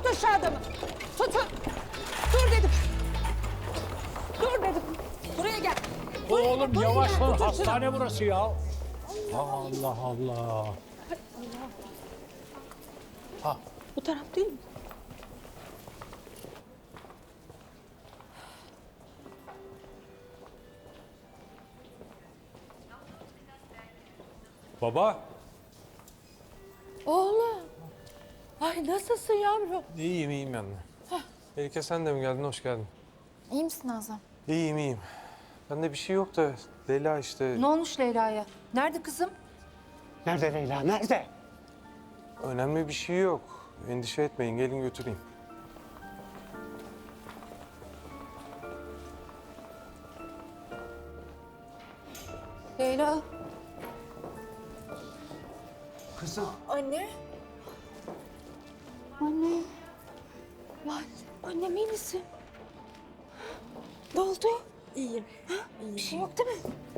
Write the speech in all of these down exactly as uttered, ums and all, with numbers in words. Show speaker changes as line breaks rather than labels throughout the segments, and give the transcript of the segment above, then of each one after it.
Tutun şu adamı. Tutun. Dur dedim. Dur dedim. Buraya gel. Buraya
Oğlum
gel, buraya
yavaş
gel.
lan,
Tutun şunu.
hastane burası ya. Allah Allah.
Bu taraf değil mi?
Baba.
Oğlum. Ay nasılsın yavrum?
İyiyim iyiyim anne. Melike sen de mi geldin? Hoş geldin.
İyi misin Nazan?
İyiyim iyiyim. Bende bir şey yok da Leyla işte
Ne olmuş Leyla'ya? Nerede kızım?
Nerede Leyla, nerede?
önemli bir şey yok. Endişe etmeyin gelin götüreyim.
Leyla.
Kızım.
Anne. Anne. Lan annem iyi misin? Ne oldu?
İyiyim.
Bir şey yok değil mi?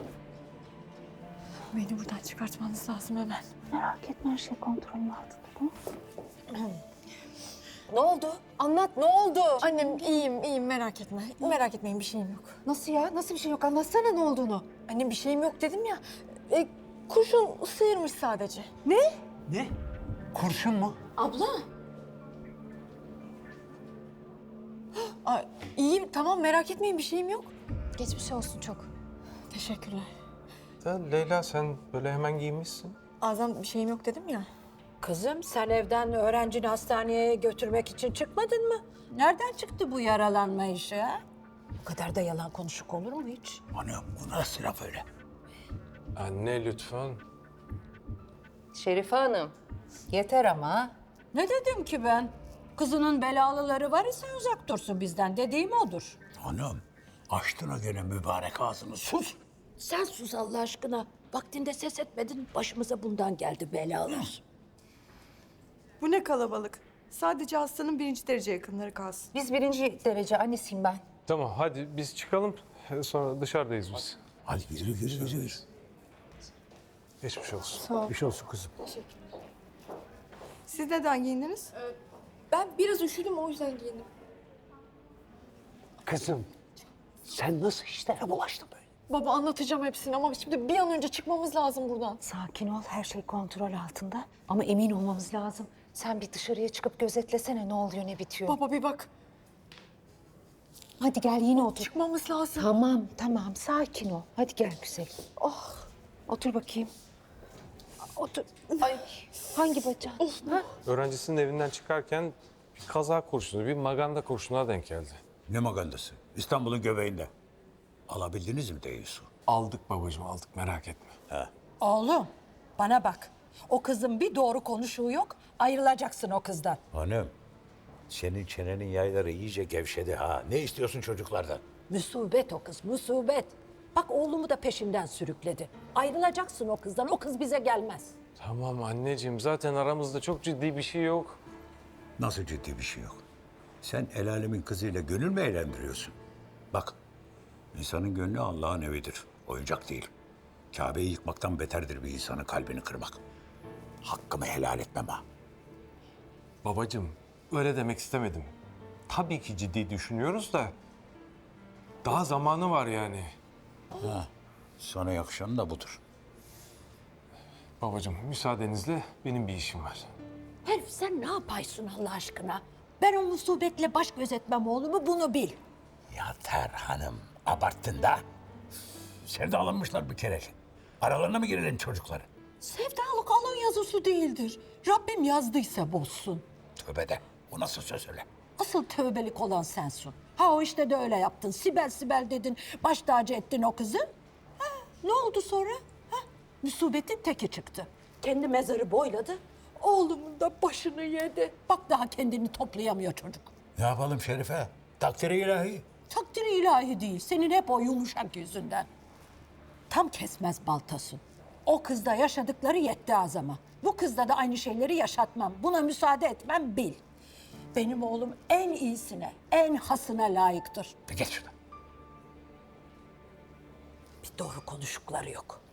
Beni buradan çıkartmanız lazım hemen.
Merak etme her şey kontrolüm altında tamam. Ne oldu? Anlat ne oldu?
Annem iyiyim, iyiyim merak etme. Merak etmeyin bir şeyim yok.
Nasıl ya? Nasıl bir şey yok? Anlatsana ne olduğunu.
Annem bir şeyim yok dedim ya. E, kurşun sıyırmış sadece.
Ne? Kurşun mu?
Abla.
Aa, iyiyim tamam merak etmeyin bir şeyim yok.
Geçmiş olsun çok.
Teşekkürler.
Da Leyla sen böyle hemen giyinmişsin.
Azam bir şeyim yok dedim ya.
Kızım sen evden öğrencini hastaneye götürmek için çıkmadın mı? Nereden çıktı bu yaralanma işi ha? Bu kadar da yalan konuşuk olur mu hiç?
Anam bu nasıl laf öyle?
Anne lütfen.
Şerife Hanım, yeter ama.
Ne dedim ki ben? Kızının belalıları var ise uzak dursun bizden dediğim odur.
Hanım, açtın o gene mübarek ağzını, sus.
Sen sus Allah aşkına. Vaktinde ses etmedin başımıza bundan geldi belalar.
Bu ne kalabalık. Sadece hastanın birinci derece yakınları kalsın.
Biz birinci derece annesiyim ben.
Tamam hadi biz çıkalım sonra dışarıdayız biz.
Hadi yürü, yürü, yürü, yürü.
Geçmiş olsun.
Bir şey olsun kızım.
Siz neden giyindiniz?
Ben biraz üşüdüm o yüzden giyindim.
Kızım, sen nasıl işlere bulaştın böyle?
Baba anlatacağım hepsini ama şimdi bir an önce çıkmamız lazım buradan.
Sakin ol, her şey kontrol altında. Ama emin olmamız lazım. Sen bir dışarıya çıkıp gözetlesene ne oluyor, ne bitiyor.
Baba bir bak.
Hadi gel yine otur.
Çıkmamız lazım.
Tamam, tamam. Sakin ol. Hadi gel güzel. Oh, otur bakayım. Otur. Ay, hangi bacağı? Ha?
Öğrencisinin evinden çıkarken bir kaza kurşunu, bir maganda kurşununa denk geldi.
Ne magandası? İstanbul'un göbeğinde. Alabildiniz mi Deyisu?
Aldık babacığım aldık merak etme.
Oğlum bana bak. O kızın bir doğru konuşuğu yok. Ayrılacaksın o kızdan.
Hanım, senin çenenin yayları iyice gevşedi ha. Ne istiyorsun çocuklardan?
Musibet o kız, musibet. Bak oğlumu da peşinden sürükledi. Ayrılacaksın o kızdan, o kız bize gelmez.
Tamam anneciğim zaten aramızda çok ciddi bir şey yok.
Nasıl ciddi bir şey yok? Sen el alemin kızıyla gönül mü eğlendiriyorsun? Bak, insanın gönlü Allah'ın evidir. Oyuncak değil. Kabe'yi yıkmaktan beterdir bir insanın kalbini kırmak. Hakkımı helal etmem ha.
Babacığım öyle demek istemedim. Tabii ki ciddi düşünüyoruz da daha zamanı var yani.
Sana yakışan da budur.
Babacığım müsaadenizle benim bir işim var.
Herif sen ne yapaysın Allah aşkına? Ben o musibetle baş gözetmem oğlumu bunu bil.
Yeter hanım, abarttın da. Sevdalanmışlar bir kere. Aralarına mı girelim çocukları?
Sevdalık alın yazısı değildir. Rabbim yazdıysa bozsun.
Tövbe de, bu nasıl söz öyle?
Asıl tövbelik olan sensin. Ha o işte de öyle yaptın. Sibel Sibel dedin, baş tacı ettin o kızı. Ha, ne oldu sonra? Ha, musibetin teki çıktı. Kendi mezarı boyladı. Oğlumun da başını yedi. Bak daha kendini toplayamıyor çocuk.
Ne yapalım Şerife? Takdiri ilahi.
Takdiri ilahi değil. Senin hep o yumuşak yüzünden. Tam kesmez baltasın. O kızda yaşadıkları yetti azama. Bu kızda da aynı şeyleri yaşatmam. Buna müsaade etmem bil. Benim oğlum en iyisine, en hasına layıktır.
Bir geç şuradan.
Bir doğru konuşukları yok.